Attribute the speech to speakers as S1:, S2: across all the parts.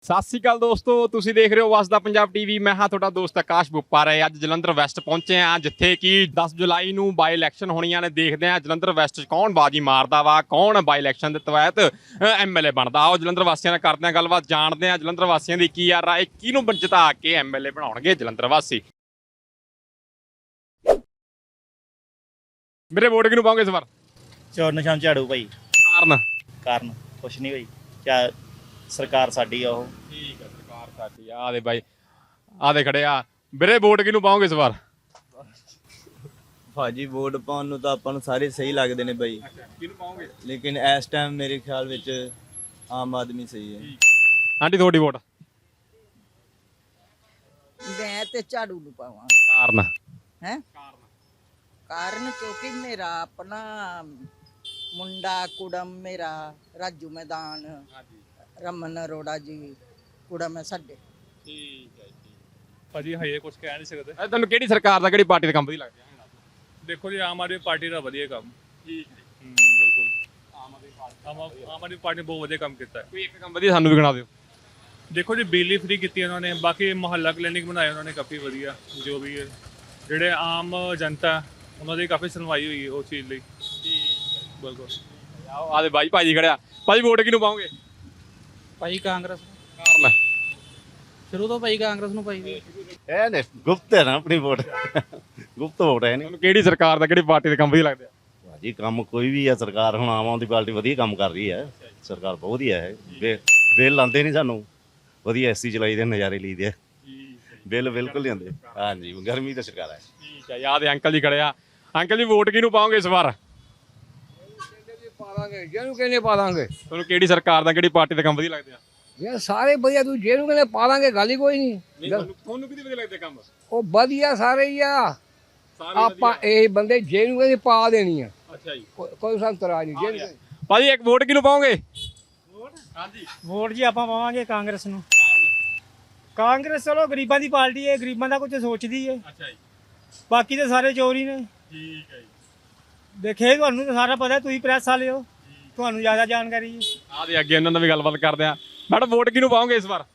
S1: ਸਤਿ ਸ਼੍ਰੀ ਅਕਾਲ ਦੋਸਤੋ, ਤੁਸੀਂ ਦੇਖ ਰਹੇ ਹੋ ਵਸਦਾ ਪੰਜਾਬ ਟੀਵੀ। ਮੈਂ ਹਾਂ ਤੁਹਾਡਾ ਦੋਸਤ ਆਕਾਸ਼ ਬੁੱਪਾਰਾ। ਅੱਜ ਜਲੰਧਰ ਵੈਸਟ ਪਹੁੰਚੇ ਆ, ਜਿੱਥੇ ਕਿ 10 ਜੁਲਾਈ ਨੂੰ ਬਾਈ ਇਲੈਕਸ਼ਨ ਹੋਣੀਆਂ ਨੇ। ਦੇਖਦੇ ਆ ਜਲੰਧਰ ਵੈਸਟ 'ਚ ਕੌਣ ਬਾਜੀ ਮਾਰਦਾ ਵਾ, ਕੌਣ ਬਾਈ ਇਲੈਕਸ਼ਨ ਦੇ ਤਹਿਤ ਐਮਐਲਏ ਬਣਦਾ। ਆਓ ਜਲੰਧਰ ਵਾਸੀਆਂ ਨਾਲ ਕਰਦੇ ਆ ਗੱਲਬਾਤ, ਜਾਣਦੇ ਆ ਜਲੰਧਰ ਵਾਸੀਆਂ ਦੀ ਕੀ ਆ ਰਾਏ, ਕਿਹਨੂੰ ਜਿਤਾ ਕੇ ਐਮਐਲਏ ਬਣਾਉਣਗੇ ਜਲੰਧਰ ਵਾਸੀ। ਮੇਰੇ ਵੋਟ ਕਿਹਨੂੰ ਪਾਓਗੇ ਇਸ ਵਾਰ?
S2: ਚੋਰ ਨਿਸ਼ਾਨ ਝਾੜੂ ਭਾਈ। ਕਾਰਨ ਕੁਛ ਨਹੀਂ ਭਾਈ, ਚਾ ਸਰਕਾਰ ਸਾਡੀ ਆ ਉਹ।
S1: ਠੀਕ ਹੈ, ਸਰਕਾਰ ਸਾਡੀ ਆ ਦੇ ਬਾਈ, ਆ ਦੇ ਖੜੇ ਆ। ਵੀਰੇ ਵੋਟ ਕਿਹਨੂੰ ਪਾਓਗੇ ਇਸ ਵਾਰ?
S3: ਭਾਜੀ ਵੋਟ ਪਾਉਣ ਨੂੰ ਤਾਂ ਆਪਾਂ ਨੂੰ ਸਾਰੇ ਸਹੀ ਲੱਗਦੇ ਨੇ ਬਾਈ,
S1: ਕਿਹਨੂੰ ਪਾਓਗੇ?
S3: ਲੇਕਿਨ ਇਸ ਟਾਈਮ ਮੇਰੇ ਖਿਆਲ ਵਿੱਚ ਆਮ ਆਦਮੀ ਸਹੀ ਹੈ।
S1: ਆਂਟੀ ਤੁਹਾਡੀ ਵੋਟ?
S4: ਮੈਂ ਤੇ ਝਾੜੂ ਨੂੰ ਪਾਵਾਂ।
S1: ਕਾਰਨ?
S4: ਹੈ ਕਾਰਨ ਕਿਉਂਕਿ ਮੇਰਾ ਆਪਣਾ ਮੁੰਡਾ ਕੁੜਮ, ਮੇਰਾ ਰਾਜੂ ਮੈਦਾਨ, ਰਮਨ ਅਰੋੜਾ ਜੀ ਕੁੜਮ ਹੈ ਸਾਡੇ।
S1: ਠੀਕ ਹੈ ਜੀ।
S5: ਭਾਜੀ ਹਜੇ ਕੁਝ ਕਹਿ ਨਹੀਂ ਸਕਦੇ।
S1: ਤੁਹਾਨੂੰ ਕਿਹੜੀ ਸਰਕਾਰ ਦਾ, ਕਿਹੜੀ ਪਾਰਟੀ ਦਾ ਕੰਮ ਵਧੀਆ ਲੱਗਦਾ?
S5: ਦੇਖੋ ਜੀ, ਆਮ ਆਦਮੀ ਪਾਰਟੀ ਦਾ ਵਧੀਆ ਕੰਮ।
S1: ਠੀਕ
S5: ਬਿਲਕੁਲ ਆਮ ਆਦਮੀ ਪਾਰਟੀ ਨੇ ਬਹੁਤ ਵਧੀਆ ਕੰਮ ਕੀਤਾ ਹੈ।
S1: ਕੋਈ ਇੱਕ ਕੰਮ ਵਧੀਆ ਸਾਨੂੰ ਵੀ ਗਿਣਾ ਦਿਓ।
S5: ਦੇਖੋ ਜੀ, ਬਿਜਲੀ ਫ੍ਰੀ ਕੀਤੀ ਉਹਨਾਂ ਨੇ, ਬਾਕੀ ਮੁਹੱਲਾ ਕਲੀਨਿਕ ਬਣਾਏ ਉਹਨਾਂ ਨੇ ਕਾਫੀ ਵਧੀਆ। ਜੋ ਵੀ ਹੈ, ਜਿਹੜੇ ਆਮ ਜਨਤਾ ਉਹਨਾਂ ਦੀ ਕਾਫੀ ਸੁਣਵਾਈ ਹੋਈ ਉਸ ਚੀਜ਼ ਲਈ। ਬਿਲਕੁਲ।
S1: ਆਓ ਆਦੇ ਬਾਈ, ਭਾਜੀ ਖੜਿਆ। ਭਾਜੀ ਵੋਟ ਕਿਹਨੂੰ ਪਾਓਗੇ?
S6: ਭਾਈ ਕਾਂਗਰਸ।
S1: ਕਾਰਨ?
S6: ਸ਼ੁਰੂ ਤੋਂ ਭਾਈ ਕਾਂਗਰਸ ਨੂੰ ਭਾਈ।
S2: ਇਹ ਨੇ ਗੁਪਤ ਹੈ ਨਾ ਆਪਣੀ ਵੋਟ, ਗੁਪਤ ਵੋਟ ਹੈ ਨਹੀਂ
S1: ਤੁਹਾਨੂੰ ਕਿਹੜੀ ਸਰਕਾਰ ਦਾ, ਕਿਹੜੀ ਪਾਰਟੀ ਦਾ ਕੰਮ ਵਧੀਆ ਲੱਗਦਾ?
S2: ਭਾਜੀ। ਕੰਮ ਕੋਈ ਵੀ ਆ, ਸਰਕਾਰ ਹੁਣ ਆਮ ਆਦਮੀ ਪਾਰਟੀ ਵਧੀਆ ਕੰਮ ਕਰ ਰਹੀ ਹੈ। ਸਰਕਾਰ ਬਹੁਤ ਵਧੀਆ ਹੈ। ਬਿੱਲ ਆਉਂਦੇ ਨਹੀਂ ਸਾਨੂੰ, ਵਧੀਆ ਐਸੀ ਚਲਾਈ ਦੇ, ਨਜ਼ਾਰੇ ਲਈਦੇ ਆ। ਬਿੱਲ ਬਿਲਕੁਲ ਨਹੀਂ ਆਉਂਦੇ। ਹਾਂਜੀ, ਗਰਮੀ ਤਾਂ ਸਰਕਾਰ ਹੈ।
S1: ਠੀਕ ਹੈ। ਯਾਦ ਅੰਕਲ ਜੀ ਖੜਿਆ। ਅੰਕਲ ਜੀ ਵੋਟ ਕਿਹਨੂੰ ਪਾਓਗੇ ਇਸ ਵਾਰ?
S7: ਪਾਵਾਂਗੇ ਜਿਹਨੂੰ ਕਹਿੰਦੇ ਪਾ ਦਾਂਗੇ।
S1: ਤੁਹਾਨੂੰ ਕਿਹੜੀ ਸਰਕਾਰ ਦਾ, ਕਿਹੜੀ ਪਾਰਟੀ ਦਾ ਕੰਮ ਵਧੀਆ ਲੱਗਦਾ?
S7: ਯਾਰ ਸਾਰੇ ਵਧੀਆ, ਤੂੰ ਜਿਹਨੂੰ ਕਹਿੰਦੇ ਪਾ ਦਾਂਗੇ, ਗੱਲ ਹੀ ਕੋਈ ਨਹੀਂ।
S1: ਤੁਹਾਨੂੰ ਕਿਹਦੇ ਵਧੀਆ ਲੱਗਦੇ ਕੰਮ?
S7: ਉਹ ਵਧੀਆ ਸਾਰੇ ਹੀ ਆ।
S1: ਸਾਰੇ
S7: ਆਪਾਂ ਇਹ ਬੰਦੇ ਜਿਹਨੂੰ ਕਹਿੰਦੇ ਪਾ ਦੇਣੀ ਆ,
S1: ਅੱਛਾ ਜੀ।
S7: ਕੋਈ ਸਾਨੂੰ ਤਰਾਜ ਨਹੀਂ। ਜਿਹਨੂੰ
S1: ਭਾਜੀ ਇੱਕ ਵੋਟ ਕਿਹਨੂੰ ਪਾਓਗੇ? ਹਾਂਜੀ।
S6: ਵੋਟ ਜੀ ਆਪਾਂ ਪਾਵਾਂਗੇ ਕਾਂਗਰਸ ਨੂੰ। ਕਾਂਗਰਸ ਚਲੋ ਗਰੀਬਾਂ ਦੀ ਪਾਰਟੀ ਹੈ, ਗਰੀਬਾਂ ਦਾ ਕੁਝ ਸੋਚਦੀ ਹੈ।
S1: ਅੱਛਾ ਜੀ।
S6: ਬਾਕੀ ਤਾਂ ਸਾਰੇ ਚੋਰ ਹੀ ਨੇ।
S1: ਠੀਕ ਹੈ ਜੀ।
S6: ਦੇਖੇ ਤੁਹਾਨੂੰ ਤਾਂ ਸਾਰਾ ਪਤਾ, ਤੁਸੀਂ ਪ੍ਰੈਸ ਵਾਲੇ ਹੋ, ਤੁਹਾਨੂੰ ਜ਼ਿਆਦਾ ਜਾਣਕਾਰੀ ਹੈ।
S1: ਆ ਦੇ ਅੱਗੇ ਉਹਨਾਂ ਨਾਲ ਵੀ ਗੱਲਬਾਤ ਕਰਦੇ ਆ। ਮੈਡਮ ਵੋਟ ਕਿਹਨੂੰ ਪਾਓਗੇ ਇਸ ਵਾਰ?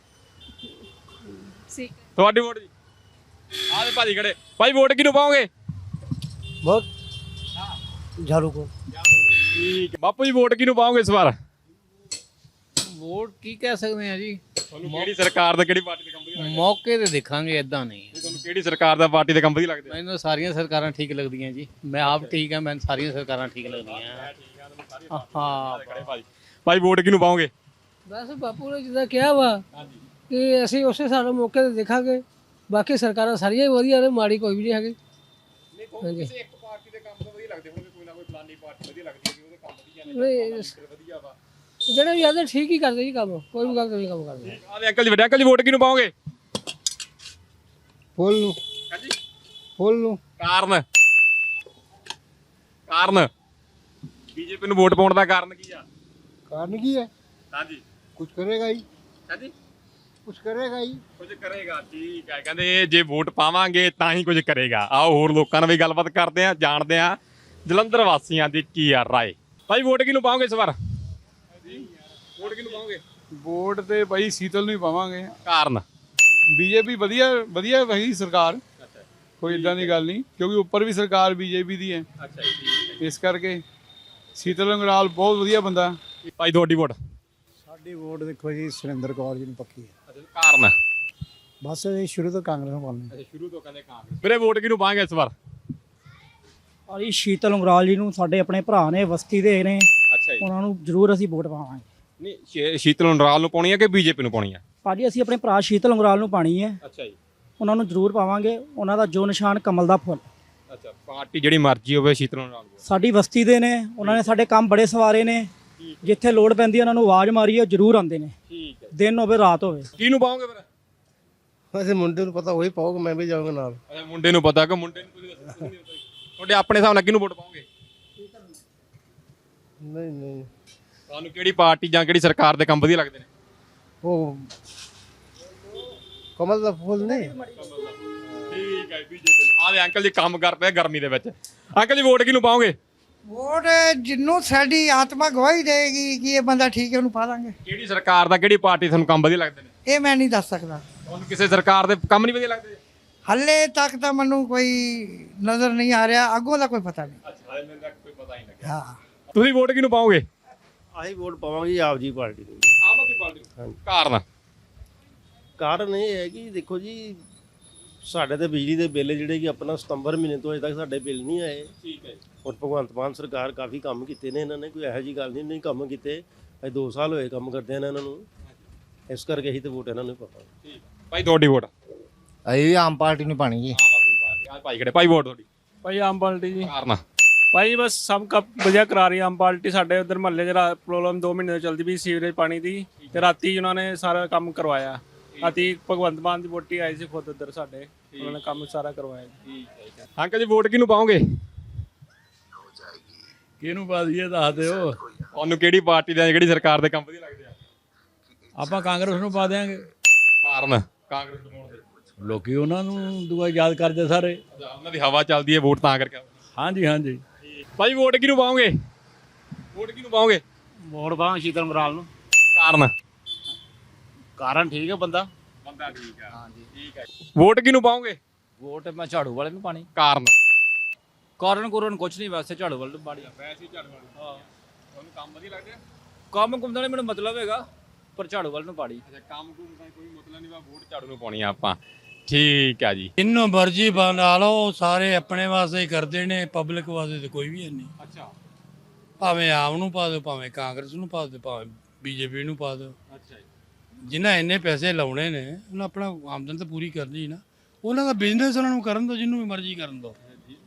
S1: ਤੁਹਾਡੀ ਵੋਟ ਜੀ? ਆ ਦੇ ਭਾਜੀ ਖੜੇ। ਭਾਈ ਵੋਟ ਕਿਹਨੂੰ ਪਾਓਗੇ?
S7: ਬਹੁਤ ਝਾੜੂ ਕੋ।
S1: ਠੀਕ ਹੈ। ਬਾਪੂ ਜੀ ਵੋਟ ਕਿਹਨੂੰ ਪਾਓਗੇ ਇਸ ਵਾਰ?
S8: ਵੋਟ ਕੀ ਕਹਿ ਸਕਦੇ ਆ ਜੀ,
S1: ਤੁਹਾਨੂੰ ਕਿਹੜੀ ਸਰਕਾਰ ਦਾ, ਕਿਹੜੀ ਪਾਰਟੀ ਦਾ ਕੰਮ ਵਧੀਆ ਲੱਗਦਾ?
S8: ਮੌਕੇ ਤੇ ਦੇਖਾਂਗੇ, ਇਦਾਂ ਨਹੀਂ।
S1: ਤੁਹਾਨੂੰ ਕਿਹੜੀ ਸਰਕਾਰ ਦਾ, ਪਾਰਟੀ ਦਾ ਕੰਮ ਵਧੀਆ ਲੱਗਦਾ?
S8: ਮੈਨੂੰ ਸਾਰੀਆਂ ਸਰਕਾਰਾਂ ਠੀਕ ਲੱਗਦੀਆਂ ਜੀ, ਮੈਂ ਆਪ ਠੀਕ ਆ, ਮੈਨੂੰ ਸਾਰੀਆਂ ਸਰਕਾਰਾਂ ਠੀਕ ਲੱਗਦੀਆਂ। ਹਾਂ
S1: ਭਾਈ ਵੋਟ ਕਿਹਨੂੰ ਪਾਓਗੇ?
S9: ਬਸ ਬਾਪੂ ਨੇ ਜਿੱਦਾਂ ਕਿਹਾ ਵਾ ਕਿ ਅਸੀਂ ਉਸੇ ਹਿਸਾਬ ਮੌਕੇ ਤੇ ਦੇਖਾਂਗੇ। ਬਾਕੀ ਸਰਕਾਰਾਂ ਸਾਰੀਆਂ ਹੀ ਵਧੀਆ ਨੇ, ਮਾੜੀ ਕੋਈ ਵੀ ਨਹੀਂ ਹੈਗੀ। ਹਾਂਜੀ,
S1: ਇੱਕ ਪਾਰਟੀ ਦੇ ਕੰਮ ਤਾਂ ਵਧੀਆ ਲੱਗਦੇ ਹੋਣਗੇ, ਕੋਈ ਨਾ ਕੋਈ ਫਲਾਨੀ ਪਾਰਟੀ ਵਧੀਆ ਲੱਗਦੀ ਹੈ, ਉਹਦੇ ਕੰਮ ਵਧੀਆ ਨੇ, ਵਧੀਆ ਵਾ।
S9: ਜਿਹੜੇ ਵੀ ਆਦੇ ਠੀਕ ਹੀ ਕਰਦੇ ਜੀ ਕੰਮ, ਕੋਈ ਵੀ ਗਲਤ ਨਹੀਂ ਕੰਮ ਕਰਦੇ।
S1: ਆਦੇ ਅੰਕਲ ਜੀ, ਵੱਡੇ ਅੰਕਲ ਜੀ ਵੋਟ ਕਿਹਨੂੰ ਪਾਓਗੇ?
S7: ਫੁੱਲ ਨੂੰ।
S1: ਹਾਂਜੀ।
S7: ਫੁੱਲ ਨੂੰ।
S1: ਕਾਰਨ? ਕਾਰਨ ਬੀਜੇਪੀ ਨੂੰ ਵੋਟ ਪਾਉਣ ਦਾ ਕਾਰਨ ਕੀ ਆ?
S7: ਕਾਰਨ ਕੀ ਹੈ?
S1: ਹਾਂਜੀ।
S7: ਕੁਝ ਕਰੇਗਾ ਹੀ।
S1: ਹਾਂਜੀ,
S7: ਕੁਝ ਕਰੇਗਾ ਹੀ।
S1: ਕੁਝ ਕਰੇਗਾ। ਠੀਕ ਹੈ। ਕਹਿੰਦੇ ਜੇ ਵੋਟ ਪਾਵਾਂਗੇ ਤਾਂ ਹੀ ਕੁਝ ਕਰੇਗਾ। ਆਓ ਹੋਰ ਲੋਕਾਂ ਨਾਲ ਵੀ ਗੱਲਬਾਤ ਕਰਦੇ ਆ, ਜਾਣਦੇ ਆ ਜਲੰਧਰ ਵਾਸੀਆਂ ਦੀ ਕੀ ਆ ਰਾਏ। ਭਾਈ ਵੋਟ ਕਿਹਨੂੰ ਪਾਓਗੇ ਇਸ ਵਾਰ? ਵੋਟ ਕਿਹਨੂੰ ਪਾਓਗੇ?
S10: ਵੋਟ ਤੇ ਭਾਈ ਸੀਤਲ ਨੂੰ ਹੀ ਪਾਵਾਂਗੇ।
S1: ਕਾਰਨ?
S10: ਬੀਜੇਪੀ ਵਧੀਆ ਵਹੀ ਸਰਕਾਰ, ਕੋਈ ਇਦਾਂ ਦੀ ਗੱਲ ਨਹੀਂ, ਕਿਉਂਕਿ ਉੱਪਰ ਵੀ ਸਰਕਾਰ ਬੀਜੇਪੀ ਦੀ ਹੈ।
S1: ਅੱਛਾ ਜੀ।
S10: ਇਸ ਕਰਕੇ ਸੀਤਲ ਅੰਗਰਾਲ ਬਹੁਤ ਵਧੀਆ ਬੰਦਾ।
S1: ਭਾਈ ਤੁਹਾਡੀ ਵੋਟ?
S11: ਸਾਡੀ ਵੋਟ ਦੇਖੋ ਜੀ ਸੁਰਿੰਦਰ ਕੌਰ ਜੀ ਨੂੰ ਪੱਕੀ ਹੈ।
S1: ਕਾਰਨ?
S11: ਬਸ ਇਹ ਸ਼ੁਰੂ ਤੋਂ ਕਾਂਗਰਸ ਨੂੰ ਪਾਉਂਦੇ।
S1: ਅੱਛਾ, ਸ਼ੁਰੂ ਤੋਂ ਕਹਿੰਦੇ ਕਾਂਗਰਸ। ਵੀਰੇ ਵੋਟ ਕਿਹਨੂੰ ਪਾਵਾਂਗੇ ਇਸ ਵਾਰ?
S6: ਭਾਈ ਸ਼ੀਤਲ ਉਂਗਰਾਲ ਜੀ ਨੂੰ, ਸਾਡੇ ਆਪਣੇ ਭਰਾ ਨੇ, ਬਸਤੀ ਦੇ ਨੇ,
S1: ਅੱਛਾ ਜੀ।
S6: ਉਹਨਾਂ ਨੂੰ ਜ਼ਰੂਰ ਅਸੀਂ ਵੋਟ ਪਾਵਾਂਗੇ।
S1: ਨਹੀਂ, ਸ਼ੀਤਲ ਉਂਗਰਾਲ ਨੂੰ ਪਾਉਣੀ ਹੈ ਕਿ ਬੀਜੇਪੀ ਨੂੰ ਪਾਉਣੀ ਹੈ?
S6: ਭਾਜੀ ਅਸੀਂ ਆਪਣੇ ਭਰਾ ਸ਼ੀਤਲ ਉਂਗਰਾਲ ਨੂੰ ਪਾਣੀ ਹੈ,
S1: ਅੱਛਾ ਜੀ।
S6: ਉਹਨਾਂ ਨੂੰ ਜ਼ਰੂਰ ਪਾਵਾਂਗੇ। ਉਹਨਾਂ ਦਾ ਜੋ ਨਿਸ਼ਾਨ ਕਮਲ ਦਾ ਫੁੱਲ।
S1: ਅੱਛਾ, ਪਾਰਟੀ ਜਿਹੜੀ ਮਰਜ਼ੀ ਹੋਵੇ, ਸ਼ੀਤਲ ਉਂਗਰਾਲ ਨੂੰ।
S6: ਸਾਡੀ ਬਸਤੀ ਦੇ ਨੇ, ਉਹਨਾਂ ਨੇ ਸਾਡੇ ਕੰਮ ਬੜੇ ਸਵਾਰੇ ਨੇ, ਜਿੱਥੇ ਲੋੜ ਪੈਂਦੀ ਹੈ ਉਹਨਾਂ ਨੂੰ ਆਵਾਜ਼ ਮਾਰੀ ਹੈ, ਜ਼ਰੂਰ ਆਉਂਦੇ ਨੇ।
S1: ਠੀਕ ਹੈ।
S6: ਦਿਨ ਹੋਵੇ ਰਾਤ ਹੋਵੇ।
S1: ਕਿਹਨੂੰ ਪਾਓਗੇ ਫਿਰ?
S7: ਵੈਸੇ ਮੁੰਡੇ ਨੂੰ ਪਤਾ, ਉਹੀ ਪਾਓਗੇ, ਮੈਂ ਵੀ ਜਾਊਂਗਾ ਨਾਲ।
S1: ਅੱਛਾ, ਮੁੰਡੇ ਨੂੰ ਪਤਾ ਕਿ ਮੁੰਡੇ ਨੂੰ ਤੁਸੀਂ ਦੱਸੋ, ਤੁਹਾਡੇ ਆਪਣੇ ਹਿਸਾਬ ਨਾਲ ਕਿਹਨੂੰ ਵੋਟ ਪਾਓਗੇ?
S7: ਨਹੀਂ
S1: ਤੁਹਾਨੂੰ ਕਿਹੜੀ ਪਾਰਟੀ ਜਾਂ ਕਿਹੜੀ ਸਰਕਾਰ ਦੇ ਕੰਮ ਵਧੀਆ ਲੱਗਦੇ ਨੇ?
S7: ਉਹ ਕਮਲ ਦਾ ਫੁੱਲ ਨਹੀਂ।
S1: ਠੀਕ ਹੈ, ਬੀਜੇਪੀ ਨੂੰ। ਆਹ ਦੇ ਅੰਕਲ ਜੀ ਕੰਮ ਕਰਦੇ ਆ ਗਰਮੀ ਦੇ ਵਿੱਚ। ਅੰਕਲ ਜੀ ਵੋਟ ਕਿਹਨੂੰ ਪਾਓਗੇ?
S7: ਵੋਟ ਜਿੰਨੂੰ ਸਾਡੀ ਆਤਮਾ ਗਵਾਹੀ ਦੇਗੀ ਕਿ ਇਹ ਬੰਦਾ ਠੀਕ ਹੈ ਉਹਨੂੰ ਪਾ ਦਾਂਗੇ।
S1: ਕਿਹੜੀ ਸਰਕਾਰ ਦਾ ਕਿਹੜੀ ਪਾਰਟੀ ਤੁਹਾਨੂੰ ਕੰਮ ਵਧੀਆ ਲੱਗਦੇ ਨੇ?
S7: ਇਹ ਮੈਂ ਨਹੀਂ ਦੱਸ ਸਕਦਾ।
S1: ਤੁਹਾਨੂੰ ਕਿਸੇ ਸਰਕਾਰ ਦੇ ਕੰਮ ਨਹੀਂ ਵਧੀਆ ਲੱਗਦੇ?
S7: ਹੱਲੇ ਤੱਕ ਤਾਂ ਮੈਨੂੰ ਕੋਈ ਨਜ਼ਰ ਨਹੀਂ ਆ ਰਿਹਾ, ਅੱਗੋਂ ਦਾ ਕੋਈ ਪਤਾ ਨਹੀਂ।
S1: ਅੱਛਾ ਹਾਲੇ ਮੈਨੂੰ ਕੋਈ ਪਤਾ ਹੀ ਨਹੀਂ ਲੱਗਿਆ।
S7: ਹਾਂ,
S1: ਤੁਸੀਂ ਵੋਟ ਕਿਹਨੂੰ ਪਾਓਗੇ?
S12: ਅਸੀਂ ਵੋਟ ਪਾਵਾਂਗੇ ਆਪ ਜੀ ਪਾਰਟੀ ਨੂੰ।
S1: ਆਮ ਆਦਮੀ ਪਾਰਟੀ ਨੂੰ। ਕਾਰਨ?
S12: ਕਾਰਨ ਇਹ ਹੈ ਕਿ ਦੇਖੋ ਜੀ, ਸਾਡੇ ਤੇ ਬਿਜਲੀ ਦੇ ਬਿੱਲ ਜਿਹੜੇ ਕਿ ਆਪਣਾ ਸਤੰਬਰ ਮਹੀਨੇ ਤੋਂ ਅਜੇ ਤੱਕ ਸਾਡੇ ਬਿੱਲ ਨਹੀਂ ਆਏ।
S1: ਠੀਕ ਹੈ।
S12: ਔਰ ਭਗਵੰਤ ਮਾਨ ਸਰਕਾਰ ਕਾਫੀ ਕੰਮ ਕੀਤੇ ਨੇ, ਇਹਨਾਂ ਨੇ ਕੋਈ ਇਹੋ ਜਿਹੀ ਗੱਲ ਨਹੀਂ ਕੰਮ ਕੀਤੇ। ਅਜੇ 2 ਸਾਲ ਹੋਏ ਕੰਮ ਕਰਦੇ ਨੇ ਇਹਨਾਂ ਨੂੰ, ਇਸ ਕਰਕੇ ਅਸੀਂ ਤੇ ਵੋਟ ਇਹਨਾਂ ਨੂੰ ਪਾਵਾਂਗੇ।
S1: ਠੀਕ ਭਾਈ, ਤੁਹਾਡੀ ਵੋਟ?
S11: ਅਸੀਂ ਵੀ ਆਮ ਪਾਰਟੀ ਨੂੰ ਪਾਣੀ ਜੀ।
S1: ਆਮ ਆਦਮੀ ਪਾਰਟੀ। ਆ ਭਾਈ ਖੜੇ, ਭਾਈ ਵੋਟ ਤੁਹਾਡੀ?
S5: ਭਾਈ ਆਮ ਪਾਰਟੀ ਜੀ।
S1: ਕਾਰਨ?
S5: ਭਾਈ ਬਸ ਸਭ ਵਧੀਆ ਕਰਾ ਰਹੀ ਆਮ ਪਾਰਟੀ। ਸਾਡੇ ਉਧਰ ਮਹੱਲੇ 'ਚ ਪ੍ਰੋਬਲਮ 2 ਮਹੀਨੇ ਤੋਂ ਚੱਲਦੀ ਵੀ ਸੀਵਰੇਜ ਪਾਣੀ ਦੀ, ਤੇ ਰਾਤੀ ਉਹਨਾਂ ਨੇ ਸਾਰਾ ਕੰਮ ਕਰਵਾਇਆ। ਰਾਤੀ ਭਗਵੰਤ ਮਾਨ ਦੀ ਵੋਟੀ ਆਈ ਸੀ ਖੁਦ ਉੱਧਰ ਸਾਡੇ, ਉਹਨਾਂ ਨੇ ਕੰਮ ਸਾਰਾ ਕਰਵਾਇਆ।
S1: ਠੀਕ ਹੈ। ਅੰਕਲ ਜੀ ਵੋਟ ਕਿਹਨੂੰ ਪਾਓਗੇ?
S8: ਕਿਹਨੂੰ ਪਾ ਦਈਏ ਦੱਸ ਦਿਓ।
S1: ਤੁਹਾਨੂੰ ਕਿਹੜੀ ਪਾਰਟੀ ਦੇ, ਕਿਹੜੀ ਸਰਕਾਰ ਦੇ ਕੰਮ ਵਧੀਆ ਲੱਗਦੇ ਆ?
S8: ਆਪਾਂ ਕਾਂਗਰਸ ਨੂੰ ਪਾ ਦਿਆਂਗੇ।
S1: ਕਾਰਨ? ਕਾਂਗਰਸ ਨੂੰ ਪਾਉਣ ਦੇ?
S8: ਲੋਕੀ ਉਹਨਾਂ ਨੂੰ ਦੁਆ ਯਾਦ ਕਰਦੇ ਸਾਰੇ।
S1: ਉਹਨਾਂ ਦੀ ਹਵਾ ਚੱਲਦੀ ਹੈ ਵੋਟ ਤਾਂ ਕਰਕੇ।
S8: ਹਾਂਜੀ ਹਾਂਜੀ।
S1: ਭਾਈ ਵੋਟ ਕਿਹਨੂੰ ਪਾਓਗੇ? ਵੋਟ ਕਿਹਨੂੰ ਪਾਓਗੇ?
S8: ਵੋਟ ਪਾਵਾਂ ਸ਼ੀਤਲ ਮਰਾਲ ਨੂੰ।
S1: ਕਾਰਨ?
S8: ਕਾਰਨ ਠੀਕ ਹੈ, ਬੰਦਾ
S1: ਠੀਕ ਹੈ। ਹਾਂਜੀ ਠੀਕ ਹੈ। ਵੋਟ ਕਿਹਨੂੰ ਪਾਓਗੇ?
S8: ਵੋਟ ਮੈਂ ਝਾੜੂ ਵਾਲੇ ਨੂੰ ਪਾਣੀ।
S1: ਕਾਰਨ?
S8: ਕਾਰਨ ਕੁਛ ਨਹੀਂ, ਵੈਸੇ ਝਾੜੂ ਵਾਲੇ ਨੂੰ ਪਾਣੀ।
S1: ਵੈਸੇ ਝਾੜੂ ਵਾਲੇ। ਹਾਂ, ਤੁਹਾਨੂੰ ਕੰਮ ਵਧੀਆ ਲੱਗਦੇ ਆ?
S8: ਕੰਮ ਕੁੰਮ ਦਾ ਮੈਨੂੰ ਮਤਲਬ ਹੈਗਾ, ਪਰ ਝਾੜੂ ਵਾਲੇ ਨੂੰ ਪਾਣੀ।
S1: ਅੱਛਾ, ਕੰਮ ਕੁੰਮ ਦਾ ਕੋਈ ਮਤਲਬ ਨਹੀਂ, ਵੋਟ ਝਾੜੂ ਨੂੰ ਪਾਉਣੀ ਆ ਆਪਾਂ। ਠੀਕ ਹੈ ਜੀ।
S13: ਜਿੰਨੂੰ ਮਰਜ਼ੀ ਬਣਾ ਲਓ, ਸਾਰੇ ਆਪਣੇ ਵਾਸਤੇ ਹੀ ਕਰਦੇ ਨੇ, ਪਬਲਿਕ ਵਾਸਤੇ ਤਾਂ ਕੋਈ ਵੀ ਨਹੀਂ।
S1: ਅੱਛਾ।
S13: ਭਾਵੇਂ ਆਮ ਨੂੰ ਪਾ ਦਿਓ, ਭਾਵੇਂ ਕਾਂਗਰਸ ਨੂੰ ਪਾ ਦਿਓ, ਭਾਵੇਂ ਬੀਜੇਪੀ ਨੂੰ ਪਾ ਦਿਓ।
S1: ਅੱਛਾ ਜੀ।
S13: ਜਿਨ੍ਹਾਂ ਇੰਨੇ ਪੈਸੇ ਲਾਉਣੇ ਨੇ ਉਹਨਾਂ ਆਪਣਾ ਆਮਦਨ ਤਾਂ ਪੂਰੀ ਕਰਨੀ ਨਾ। ਉਹਨਾਂ ਦਾ ਬਿਜ਼ਨਸ ਉਹਨਾਂ ਨੂੰ ਕਰਨ ਦਿਓ, ਜਿਹਨੂੰ ਵੀ ਮਰਜ਼ੀ ਕਰਨ ਦਿਓ।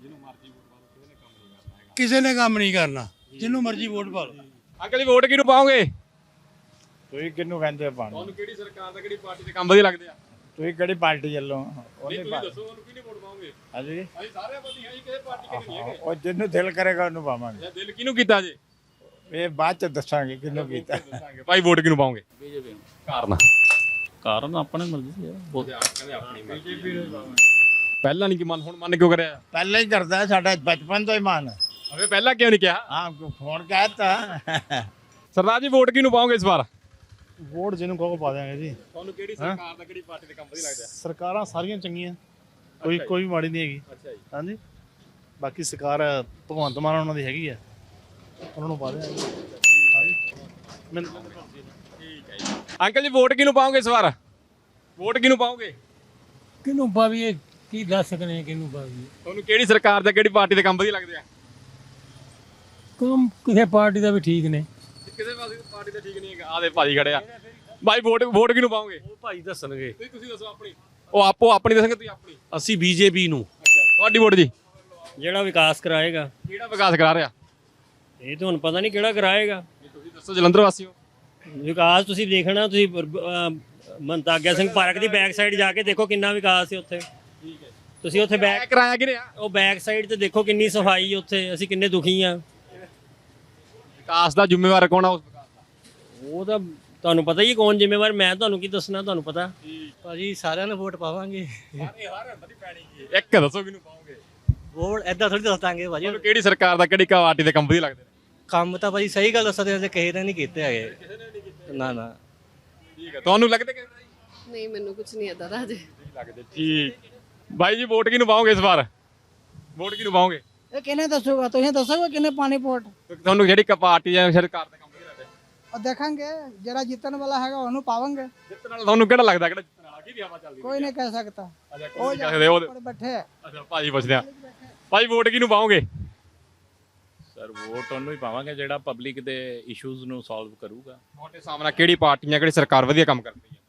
S13: ਕਿਸੇ ਨੇ ਕੰਮ ਨਹੀਂ ਕਰਨਾ, ਜਿਹਨੂੰ ਮਰਜ਼ੀ ਵੋਟ ਪਾ ਲਓ।
S1: ਅੰਕਲ ਜੀ ਵੋਟ ਕਿਹਨੂੰ ਪਾਓਗੇ?
S11: ਤੁਸੀਂ ਕਿਹਨੂੰ ਕਹਿੰਦੇ ਪਾਣੀ?
S1: ਤੁਹਾਨੂੰ ਕਿਹੜੀ ਸਰਕਾਰ ਦਾ, ਕਿਹੜੀ ਪਾਰਟੀ ਦੇ ਕੰਮ ਵਧੀਆ ਲੱਗਦੇ ਆ?
S11: ਤੁਸੀਂ ਕਿਹੜੀ ਪਾਰਟੀ ਵੱਲੋਂ?
S1: ਤੁਸੀਂ ਦੱਸੋ ਤੁਹਾਨੂੰ ਕਿਹਨੂੰ ਵੋਟ ਪਾਓਗੇ?
S11: ਹਾਂਜੀ,
S1: ਅਸੀਂ ਸਾਰੇ ਵਧੀਆ ਜੀ, ਕਿਸੇ ਪਾਰਟੀ ਕਿਹਨੂੰ ਨਹੀਂ ਹੈਗੇ।
S11: ਉਹ ਜਿਹਨੂੰ ਦਿਲ ਕਰੇਗਾ ਉਹਨੂੰ ਪਾਵਾਂਗੇ।
S1: ਦਿਲ ਕਿਹਨੂੰ ਕੀਤਾ ਜੀ?
S11: ਇਹ ਬਾਅਦ ਚ ਦੱਸਾਂਗੇ ਕਿਹਨੂੰ ਕੀਤਾ।
S1: ਭਾਈ ਵੋਟ ਕਿਹਨੂੰ ਪਾਓਗੇ?
S8: ਬੀਜੇਪੀ ਨੂੰ।
S1: ਕਾਰਨ?
S8: ਕਾਰਨ ਆਪਣੇ ਮਰਜ਼ੀ ਹੈ।
S1: ਪਹਿਲਾਂ ਨਹੀਂ ਕਿ ਮਨ, ਹੁਣ ਮਨ ਕਿਉਂ ਕਰਿਆ?
S11: ਪਹਿਲਾਂ ਹੀ ਕਰਦਾ, ਸਾਡਾ ਬਚਪਨ ਤੋਂ ਹੀ ਮਨ।
S1: ਅਬੇ ਪਹਿਲਾਂ ਕਿਉਂ ਨਹੀਂ ਕਿਹਾ?
S11: ਹਾਂ, ਫੋਨ ਕਹਿਤਾ।
S1: ਸਰਦਾਰ ਜੀ ਵੋਟ ਕਿਹਨੂੰ ਪਾਓਗੇ ਇਸ ਵਾਰ?
S11: ਵੋਟ ਜਿਹਨੂੰ ਕਹੋ ਪਾ ਦਿਆਂਗੇ ਜੀ।
S1: ਤੁਹਾਨੂੰ ਕਿਹੜੀ ਸਰਕਾਰ ਦਾ, ਕਿਹੜੀ ਪਾਰਟੀ ਦੇ ਕੰਮ ਵਧੀਆ ਲੱਗਦੇ ਆ?
S11: ਸਰਕਾਰਾਂ ਸਾਰੀਆਂ ਚੰਗੀਆਂ, ਕੋਈ ਮਾੜੀ ਨਹੀਂ ਹੈਗੀ।
S1: ਅੱਛਾ ਜੀ।
S11: ਹਾਂਜੀ, ਬਾਕੀ ਸਰਕਾਰ ਭਗਵੰਤ ਮਾਨ ਉਹਨਾਂ ਦੀ ਹੈਗੀ ਆ, ਉਹਨਾਂ ਨੂੰ ਪਾ ਦਿਆਂਗੇ।
S1: ਠੀਕ ਹੈ ਜੀ। ਅੰਕਲ ਜੀ ਵੋਟ ਕਿਹਨੂੰ ਪਾਓਗੇ ਇਸ ਵਾਰ? ਵੋਟ ਕਿਹਨੂੰ ਪਾਓਗੇ?
S13: ਕਿਹਨੂੰ ਪਾਵੀਏ, ਕੀ ਦੱਸ ਸਕਨੇ ਕਿਹਨੂੰ ਪਾਵੀਏ।
S1: ਤੁਹਾਨੂੰ ਕਿਹੜੀ ਸਰਕਾਰ ਦਾ, ਕਿਹੜੀ ਪਾਰਟੀ ਦੇ ਕੰਮ ਵਧੀਆ ਲੱਗਦੇ ਆ?
S13: ਕੰਮ ਕਿਸੇ ਪਾਰਟੀ ਦਾ ਵੀ ਠੀਕ ਨੇ।
S1: ਕਿਸੇ ਪਾਰਟੀ ਦਾ ਠੀਕ ਨਹੀਂ ਹੈਗਾ। ਆਹ ਦੇ ਭਾਜੀ ਖੜੇ ਆ। ਭਾਈ ਵੋਟ ਕਿਹਨੂੰ ਪਾਓਗੇ?
S12: ਉਹ ਭਾਈ ਦੱਸਣਗੇ।
S1: ਤੁਸੀਂ ਦੱਸੋ ਆਪਣੀ। ਉਹ ਆਪੋ ਆਪਣੀ ਦੱਸਣਗੇ, ਤੁਸੀਂ ਆਪਣੀ।
S12: ਅਸੀਂ ਬੀਜੇਪੀ ਨੂੰ।
S1: ਅੱਛਾ, ਤੁਹਾਡੀ ਵੋਟ ਜੀ?
S12: ਜਿਹੜਾ ਵਿਕਾਸ ਕਰਾਏਗਾ।
S1: ਕਿਹੜਾ ਵਿਕਾਸ ਕਰਾ ਰਿਹਾ?
S12: ਇਹ ਤੁਹਾਨੂੰ ਪਤਾ ਨਹੀਂ ਕਿਹੜਾ ਕਰਾਏਗਾ।
S1: ਤੁਸੀਂ ਦੱਸੋ, ਜਲੰਧਰ ਵਾਸੀ ਹੋ।
S12: ਵਿਕਾਸ ਤੁਸੀਂ ਦੇਖਣਾ, ਤੁਸੀਂ ਮਨਤਾਗਿਆ ਸਿੰਘ ਪਾਰਕ ਦੀ ਬੈਕ ਸਾਈਡ ਜਾ ਕੇ ਦੇਖੋ ਕਿੰਨਾ ਵਿਕਾਸ ਹੈ ਉੱਥੇ।
S1: ਠੀਕ ਹੈ।
S12: ਤੁਸੀਂ ਉੱਥੇ ਬੈਕ
S1: ਕਰਾਇਆ ਕਿ ਰਿਹਾ?
S12: ਉਹ ਬੈਕ ਸਾਈਡ ਤੇ ਦੇਖੋ ਕਿੰਨੀ ਸਫਾਈ ਉੱਥੇ, ਅਸੀਂ ਕਿੰਨੇ ਦੁਖੀ ਆ।
S1: ਵਿਕਾਸ ਦਾ ਜ਼ਿੰਮੇਵਾਰ ਕੌਣ ਆ ਉਸ ਵਿਕਾਸ ਦਾ?
S12: ਉਹ ਤਾਂ ਤੁਹਾਨੂੰ ਪਤਾ ਹੀ ਕੌਣ ਜ਼ਿੰਮੇਵਾਰ, ਮੈਂ ਤੁਹਾਨੂੰ ਕੀ ਦੱਸਣਾ, ਤੁਹਾਨੂੰ ਪਤਾ।
S8: ਭਾਜੀ ਸਾਰਿਆਂ ਨੂੰ ਵੋਟ ਪਾਵਾਂਗੇ।
S1: ਇੱਕ ਦੱਸੋ ਕਿਹਨੂੰ ਪਾਓਗੇ?
S8: ਵੋਟ ਐਦਾਂ ਥੋੜੀ ਦੱਸ ਦਾਂਗੇ ਭਾਜੀ।
S1: ਤੁਹਾਨੂੰ ਕਿਹੜੀ ਸਰਕਾਰ ਦਾ, ਕਿਹੜੀ ਪਾਰਟੀ ਦੇ ਕੰਮ ਵਧੀਆ ਲੱਗਦੇ ਨੇ?
S8: ਕੰਮ ਤਾਂ ਭਾਜੀ ਸਹੀ ਗੱਲ ਦੱਸਦੇ ਨੇ, ਕਿਸੇ ਨੇ ਨਹੀਂ ਕੀਤੇ ਹੈਗੇ। ਨਾ ਨਾ।
S1: ਠੀਕ ਹੈ। ਤੁਹਾਨੂੰ ਲੱਗਦੇ ਕਿ
S14: ਨਹੀਂ, ਮੈਨੂੰ ਕੁਝ ਨਹੀਂ ਆਦਾ ਦਾ ਅਜੇ
S1: ਲੱਗਦੇ। ਠੀਕ ਭਾਈ ਜੀ, ਵੋਟ ਕਿਹਨੂੰ ਪਾਓਗੇ ਇਸ ਵਾਰ? ਵੋਟ ਕਿਹਨੂੰ ਪਾਓਗੇ?
S7: ਇਹ ਕਿਹਨੇ ਦੱਸੂਗਾ? ਤੁਸੀਂ ਦੱਸੋਗੇ ਕਿਹਨੇ ਪਾਣੀ ਵੋਟ?
S1: ਤੁਹਾਨੂੰ ਜਿਹੜੀ ਪਾਰਟੀ ਜਾਂ ਸਰਕਾਰ ਦੇ ਕੰਮ ਵਧੀਆ ਲੱਗਦੇ?
S7: ਉਹ ਦੇਖਾਂਗੇ, ਜਿਹੜਾ ਜਿੱਤਣ ਵਾਲਾ ਹੈਗਾ ਉਹਨੂੰ ਪਾਵਾਂਗੇ।
S1: ਜਿੱਤਣ ਵਾਲਾ ਤੁਹਾਨੂੰ ਕਿਹੜਾ ਲੱਗਦਾ, ਕਿਹੜਾ ਜਿੱਤਣ ਵਾਲਾ? ਕਿਹਦੀ ਹਵਾ ਚੱਲਦੀ?
S7: ਕੋਈ ਨਹੀਂ ਕਹਿ ਸਕਦਾ।
S1: ਅੱਛਾ,
S7: ਉਹ
S1: ਕੋਈ ਨਹੀਂ
S7: ਉੱਪਰ ਬੈਠੇ ਆ।
S1: ਅੱਛਾ ਭਾਜੀ ਪੁੱਛਦੇ ਆ। ਭਾਈ ਵੋਟ ਕਿਹਨੂੰ ਪਾਓਗੇ?
S5: ਸਰ ਵੋਟ ਉਹਨੂੰ ਹੀ ਪਾਵਾਂਗੇ ਜਿਹੜਾ ਪਬਲਿਕ ਦੇ ਇਸ਼ੂਜ਼ ਨੂੰ ਸੋਲਵ ਕਰੂਗਾ।
S1: ਤੁਹਾਡੇ ਸਾਹਮਣੇ ਕਿਹੜੀ ਪਾਰਟੀ ਜਾਂ ਕਿਹੜੀ ਸਰਕਾਰ ਵਧੀਆ ਕੰਮ ਕਰਦੀ ਹੈ?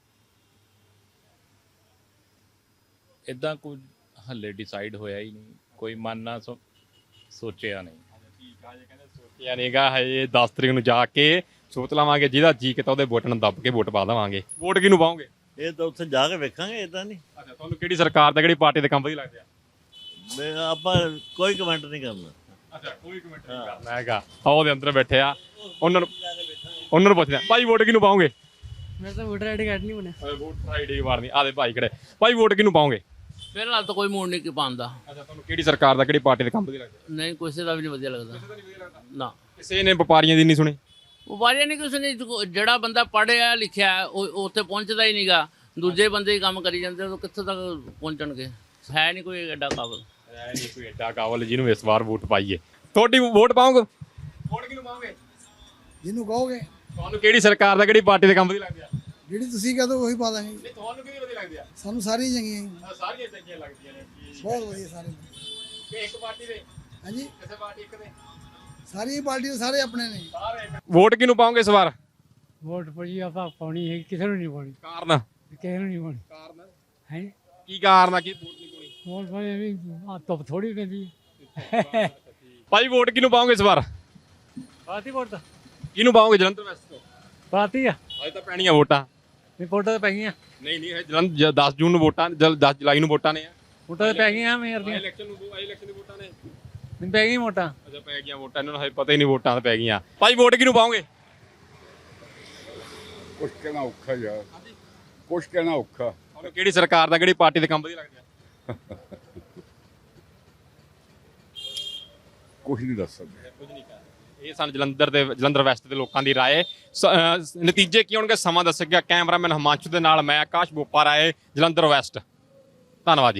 S5: ਇਦਾਂ ਕੁਝ ਹੱਲੇ ਡਿਸਾਈਡ ਹੋਇਆ ਹੀ ਨਹੀਂ, ਕੋਈ ਮਨ ਨਾ ਸੋਚਿਆ ਨਹੀਂ।
S1: ਠੀਕ ਆ ਜੀ, ਕਹਿੰਦੇ ਸੋਚਿਆ ਨਹੀਂਗਾ ਹਜੇ, 10 ਤਰੀਕ ਨੂੰ ਜਾ ਕੇ ਸੋਚ ਲਵਾਂਗੇ, ਜਿਹਦਾ ਜੀ ਕੀਤਾ ਉਹਦੇ ਬਟਨ ਦੱਬ ਕੇ ਵੋਟ ਪਾ ਦੇਵਾਂਗੇ। ਵੋਟ ਕਿਹਨੂੰ ਪਾਓਗੇ?
S2: ਇਹ ਤਾਂ ਉੱਥੇ ਜਾ ਕੇ ਵੇਖਾਂਗੇ, ਇਦਾਂ ਨਹੀਂ।
S1: ਅੱਛਾ, ਤੁਹਾਨੂੰ ਕਿਹੜੀ ਸਰਕਾਰ ਦਾ, ਕਿਹੜੀ ਪਾਰਟੀ ਦੇ ਕੰਮ ਵਧੀਆ ਲੱਗਦੇ ਆ?
S2: ਆਪਾਂ ਕੋਈ ਕਮੈਂਟ ਨਹੀਂ ਕਰਨਾ।
S1: ਅੱਛਾ, ਕੋਈ ਕਮੈਂਟ ਨਹੀਂ ਕਰਨਾ ਹੈਗਾ। ਉਹਦੇ ਅੰਦਰ ਬੈਠੇ ਆ, ਉਹਨਾਂ ਨੂੰ ਪੁੱਛਦੇ ਆ। ਭਾਈ ਵੋਟ ਕਿਹਨੂੰ ਪਾਓਗੇ?
S9: ਮੈਂ ਤਾਂ ਵੋਟਰ ਆਈਡੀ ਕਾਰਡ ਨਹੀਂ ਬਣਿਆ।
S1: ਵੋਟਰ ਆਈਡੀ ਵਾਰਨੀ। ਆਦੇ ਭਾਈ ਖੜੇ। ਭਾਈ ਵੋਟ ਕਿਹਨੂੰ ਪਾਓਗੇ?
S8: ਫਿਲਹਾਲ ਤਾਂ ਕੋਈ ਮੂਡ ਨਹੀਂ ਪਾਉਣ ਦਾ।
S1: ਅੱਛਾ, ਤੁਹਾਨੂੰ ਕਿਹੜੀ ਸਰਕਾਰ ਦਾ, ਕਿਹੜੀ ਪਾਰਟੀ ਦੇ ਕੰਮ ਵਧੀਆ ਲੱਗਦਾ?
S8: ਨਹੀਂ, ਕਿਸੇ ਦਾ ਵੀ ਨਹੀਂ ਵਧੀਆ ਲੱਗਦਾ ਨਾ।
S1: ਕਿਸੇ ਨੇ ਵਪਾਰੀਆਂ ਦੀ ਨਹੀਂ ਸੁਣੀ?
S8: ਵਪਾਰੀਆਂ ਨਹੀਂ ਕਿਸੇ ਨੇ, ਜਿਹੜਾ ਬੰਦਾ ਪੜ੍ਹਿਆ ਲਿਖਿਆ ਉਹ ਉੱਥੇ ਪਹੁੰਚਦਾ ਹੀ ਨਹੀਂਗਾ। ਦੂਜੇ ਬੰਦੇ ਹੀ ਕੰਮ ਕਰੀ ਜਾਂਦੇ, ਉਹ ਕਿੱਥੋਂ ਤੱਕ ਪਹੁੰਚਣਗੇ? ਹੈ ਨਹੀਂ ਕੋਈ ਐਡਾ ਕਾਬਲ।
S1: ਹੈ ਨਹੀਂ ਕੋਈ ਐਡਾ ਕਾਬਲ ਜਿਹਨੂੰ ਇਸ ਵਾਰ ਵੋਟ ਪਾਈਏ। ਤੁਹਾਡੀ ਵੋਟ ਪਾਓਗੇ? ਵੋਟ ਕਿਹਨੂੰ ਪਾਓਗੇ?
S7: ਜਿਹਨੂੰ ਕਹੋਗੇ,
S1: ਤੁਹਾਨੂੰ ਕਿਹੜੀ ਸਰਕਾਰ ਦਾ, ਕਿਹੜੀ ਪਾਰਟੀ ਦੇ ਕੰਮ ਵਧੀਆ ਲੱਗਦੇ ਆ?
S7: ਜਿਹੜੀ ਤੁਸੀਂ ਕਹਦੋ ਉਹੀ ਪਾ ਦਾਂਗੇ।
S1: ਨਹੀਂ, ਤੁਹਾਨੂੰ ਕਿਹਦੀ ਵਧੀਆ ਲੱਗਦੀ ਆ?
S7: ਸਾਨੂੰ ਸਾਰੀਆਂ ਚੰਗੀਆਂ
S1: ਸਾਰੀਆਂ ਚੰਗੀਆਂ ਲੱਗਦੀਆਂ ਨੇ।
S7: ਬਹੁਤ ਵਧੀਆ ਸਾਰੇ।
S1: ਕਿ ਇੱਕ ਪਾਰਟੀ ਦੇ?
S7: ਹਾਂਜੀ,
S1: ਕਿਸੇ ਪਾਰਟੀ ਇੱਕ ਦੇ?
S7: ਸਾਰੀਆਂ ਪਾਰਟੀਆਂ ਸਾਰੇ ਆਪਣੇ ਨੇ।
S1: ਵੋਟ ਕਿਹਨੂੰ ਪਾਓਗੇ ਇਸ ਵਾਰ?
S6: ਵੋਟ ਭਾਜੀ ਆਪਾਂ ਪਾਉਣੀ ਹੈ, ਕਿਸੇ ਨੂੰ ਨਹੀਂ ਪਾਉਣੀ,
S1: ਕਾਰਨ?
S6: ਕਿਸੇ ਨੂੰ ਨਹੀਂ ਪਾਉਣੀ।
S1: ਕਾਰਨ
S6: ਹੈ
S1: ਕੀ ਕਾਰਨ ਆ ਕਿ ਵੋਟ ਨਹੀਂ ਪਾਉਣੀ?
S6: ਵੋਟ ਭਾਜੀ ਵੀ ਧੁੱਪ ਥੋੜੀ ਪੈਂਦੀ
S1: ਭਾਈ ਵੋਟ ਕਿਹਨੂੰ ਪਾਓਗੇ ਇਸ ਵਾਰ?
S6: ਪਾਤੀ ਵੋਟ ਤਾਂ
S1: ਕਿਹਨੂੰ ਪਾਓਗੇ ਜਲੰਧਰ ਵੈਸਟ ਤੋਂ?
S6: ਪਾਤੀ ਆ,
S1: ਅੱਜ ਤਾਂ ਪੈਣੀਆਂ ਵੋਟਾਂ।
S6: ਵੋਟਾਂ ਤਾਂ ਪੈ ਗਈਆਂ,
S1: ਨਹੀਂ ਨਹੀਂ, ਇਹ ਜਲੰਧਰ 10 ਜੂਨ ਨੂੰ ਵੋਟਾਂ, 10 ਜੁਲਾਈ ਨੂੰ ਵੋਟਾਂ ਨੇ।
S6: ਵੋਟਾਂ ਤਾਂ ਪੈ ਗਈਆਂ ਮੇਰ ਦੀਆਂ,
S1: ਇਲੈਕਸ਼ਨ ਨੂੰ, ਇਲੈਕਸ਼ਨ ਦੀ ਵੋਟਾਂ ਨੇ।
S6: ਮੈਨੂੰ ਪੈ ਗਈਆਂ ਵੋਟਾਂ।
S1: ਅੱਛਾ, ਪੈ ਗਈਆਂ ਵੋਟਾਂ, ਇਹਨਾਂ ਨੂੰ ਹਜੇ ਪਤਾ ਹੀ ਨਹੀਂ ਵੋਟਾਂ ਤਾਂ ਪੈ ਗਈਆਂ। ਭਾਈ ਵੋਟ ਕਿਹਨੂੰ ਪਾਓਗੇ?
S10: ਕੁਛ ਕਹਿਣਾ ਔਖਾ ਯਾਰ, ਕੁਛ ਕਹਿਣਾ ਔਖਾ।
S1: ਤੁਹਾਨੂੰ ਕਿਹੜੀ ਸਰਕਾਰ ਦਾ, ਕਿਹੜੀ ਪਾਰਟੀ ਦੇ ਕੰਮ ਵਧੀਆ ਲੱਗਦੇ ਆ?
S10: ਕੁਛ ਨਹੀਂ ਦੱਸ ਸਕਦੇ।
S1: ਕੁਝ ਨਹੀਂ ਕਰ ਇਹ ਸਨ ਜਲੰਧਰ ਵੈਸਟ ਦੇ ਲੋਕਾਂ ਦੀ ਰਾਏ। ਨਤੀਜੇ ਕੀ ਹੋਣਗੇ ਸਮਾਂ ਦੱਸੇਗਾ। ਕੈਮਰਾਮੈਨ ਹਿਮਾਂਸ਼ੂ ਦੇ ਨਾਲ ਮੈਂ ਆਕਾਸ਼ ਬੋਪਾ ਰਾਏ, ਜਲੰਧਰ ਵੈਸਟ। ਧੰਨਵਾਦ ਜੀ।